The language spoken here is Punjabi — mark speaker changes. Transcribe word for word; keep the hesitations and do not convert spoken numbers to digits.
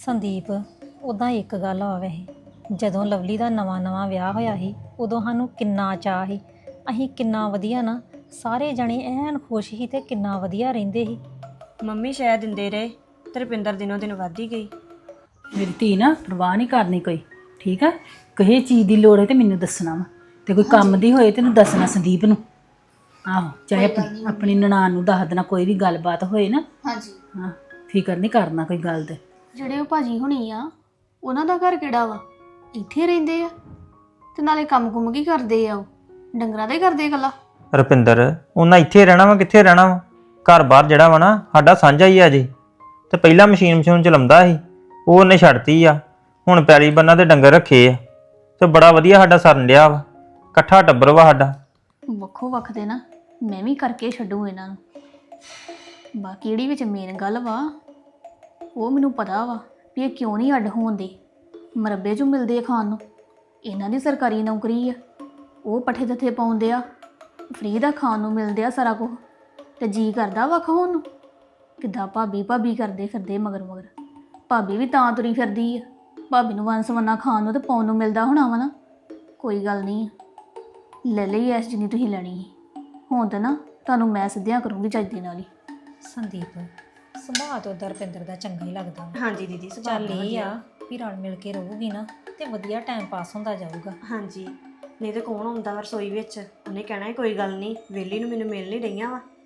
Speaker 1: ਸੰਦੀਪ ਉਦਾਂ ਇੱਕ ਗੱਲ ਆ ਵੈਸੇ ਜਦੋਂ ਲਵਲੀ ਦਾ ਨਵਾਂ ਨਵਾਂ ਵਿਆਹ ਹੋਇਆ ਸੀ ਉਦੋਂ ਸਾਨੂੰ ਕਿੰਨਾ ਚਾਅ ਸੀ। ਅਸੀਂ ਕਿੰਨਾ ਵਧੀਆ ਨਾ ਸਾਰੇ ਜਣੇ ਐਨ ਖੁਸ਼ ਸੀ ਤੇ ਕਿੰਨਾ ਵਧੀਆ ਰਹਿੰਦੇ ਸੀ।
Speaker 2: ਮੰਮੀ ਸ਼ਾਇਦ ਦਿੰਦੇ ਰਹੇ ਤੇ ਰੁਪਿੰਦਰ ਦਿਨੋਂ ਦਿਨ ਵੱਧ ਹੀ ਗਈ।
Speaker 3: ਮੇਰੀ ਧੀ ਨਾ ਪਰਵਾਹ ਨਹੀਂ ਕਰਨੀ ਕੋਈ, ਠੀਕ ਆ। ਕਿਸੇ ਚੀਜ਼ ਦੀ ਲੋੜ ਹੈ ਤੇ ਮੈਨੂੰ ਦੱਸਣਾ ਵਾ, ਤੇ ਕੋਈ ਕੰਮ ਦੀ ਹੋਏ ਤੈਨੂੰ ਦੱਸਣਾ ਸੰਦੀਪ ਨੂੰ। ਆਹੋ, ਚਾਹੇ ਆਪਣੀ ਆਪਣੀ ਨਨਾਣ ਨੂੰ ਦੱਸ ਦੇਣਾ, ਕੋਈ ਵੀ ਗੱਲਬਾਤ ਹੋਏ ਨਾ।
Speaker 4: ਹਾਂਜੀ
Speaker 3: ਹਾਂ, ਫਿਕਰ ਨਹੀਂ ਕਰਨਾ ਕੋਈ ਗੱਲ ਤੇ।
Speaker 4: ਜਿਹੜੇ ਉਹ ਭਾਜੀ ਹੁਣੀ ਆ ਉਹਨਾਂ ਦਾ ਘਰ ਕਿਹੜਾ ਵਾ? ਇੱਥੇ ਰਹਿੰਦੇ ਆ ਤੇ ਨਾਲੇ ਕੰਮ ਕੁੰਮ ਕੀ ਕਰਦੇ ਆ? ਉਹ ਡੰਗਰਾਂ ਦਾ ਹੀ ਕਰਦੇ ਇਕੱਲਾ।
Speaker 5: ਰੁਪਿੰਦਰ ਉਹਨਾਂ ਇੱਥੇ ਰਹਿਣਾ ਵਾ, ਕਿੱਥੇ ਰਹਿਣਾ ਵਾ? ਘਰ ਬਾਹਰ ਜਿਹੜਾ ਵਾ ਨਾ ਸਾਡਾ ਸਾਂਝਾ ਹੀ ਆ ਜੀ। ਤੇ ਪਹਿਲਾਂ ਮਸ਼ੀਨ ਮਸ਼ੀਨ ਚਲਾਉਂਦਾ ਸੀ, ਉਹ ਉਹਨੇ ਛੱਡਤੀ ਆ। ਹੁਣ ਪੈਲੀ ਬੰਨਾ ਤੇ ਡੰਗਰ ਰੱਖੇ ਆ ਤੇ ਬੜਾ ਵਧੀਆ ਸਾਡਾ ਸਰਨ ਡਿਆ ਵਾ। ਇਕੱਠਾ ਟੱਬਰ ਵਾ ਸਾਡਾ।
Speaker 4: ਵੱਖੋ ਵੱਖ ਦੇ ਨਾ ਮੈਂ ਵੀ ਕਰਕੇ ਛੱਡੂ ਇਹਨਾਂ ਨੂੰ। ਬਾਕੀ ਜਿਹੜੀ ਵਿੱਚ ਮੇਨ ਗੱਲ ਵਾ ਉਹ ਮੈਨੂੰ ਪਤਾ ਵਾ ਵੀ ਇਹ ਕਿਉਂ ਨਹੀਂ ਅੱਡ ਹੋਣ ਦੇ। ਮਰੱਬੇ 'ਚੋਂ ਮਿਲਦੇ ਆ ਖਾਣ ਨੂੰ। ਇਹਨਾਂ ਦੀ ਸਰਕਾਰੀ ਨੌਕਰੀ ਆ, ਉਹ ਪੱਠੇ ਦੱਥੇ ਪਾਉਂਦੇ ਆ, ਫ੍ਰੀ ਦਾ ਖਾਣ ਨੂੰ ਮਿਲਦੇ ਆ ਸਾਰਾ ਕੁਝ। ਤੇ ਜੀ ਕਰਦਾ ਵੱਖ ਹੋਣ ਨੂੰ। ਕਿੱਦਾਂ ਭਾਬੀ ਭਾਬੀ ਕਰਦੇ ਫਿਰਦੇ ਮਗਰ ਮਗਰ। ਭਾਬੀ ਵੀ ਤਾਂ ਤੁਰੀ ਫਿਰਦੀ ਆ, ਭਾਬੀ ਨੂੰ ਵੰਨ ਸਵੰਨਾ ਖਾਣ ਨੂੰ ਤੇ ਪਾਉਣ ਨੂੰ ਮਿਲਦਾ ਹੋਣਾ ਵਾ ਨਾ। ਕੋਈ ਗੱਲ ਨਹੀਂ, ਲੈ ਲਈ ਐਸ ਜਿੰਨੀ ਤੁਸੀਂ ਲੈਣੀ ਸੀ। ਹੁਣ ਤਾਂ ਨਾ ਤੁਹਾਨੂੰ ਮੈਂ ਸਿੱਧਿਆਂ ਕਰੂੰਗੀ ਚੱਜ ਦੇ ਨਾਲ ਹੀ।
Speaker 1: ਸੰਦੀਪ ਸੁਭਾਅ ਤੋਂ ਉਧਰ ਰੁਪਿੰਦਰ ਦਾ ਚੰਗਾ ਹੀ ਲੱਗਦਾ ਵਾ।
Speaker 2: ਹਾਂਜੀ ਦੀਦੀ ਸੁਭਾਅ
Speaker 1: ਚੱਲ
Speaker 2: ਬਹੁਤ
Speaker 1: ਇਹ
Speaker 2: ਵਧੀਆ।
Speaker 1: ਆ ਵੀ ਰਲ ਮਿਲ ਕੇ ਰਹੂਗੀ ਨਾ ਤੇ ਵਧੀਆ ਟਾਈਮ ਪਾਸ ਹੁੰਦਾ ਜਾਊਗਾ।
Speaker 2: ਹਾਂਜੀ, ਨਹੀਂ ਤੇ ਕੌਣ ਆਉਂਦਾ ਵਾ ਰਸੋਈ ਵਿੱਚ? ਉਹਨੇ ਕਹਿਣਾ ਕੋਈ ਗੱਲ ਨਹੀਂ, ਵਿਹਲੀ ਨੂੰ ਮੈਨੂੰ ਮਿਲ ਨਹੀਂ ਰਹੀਆਂ ਵਾ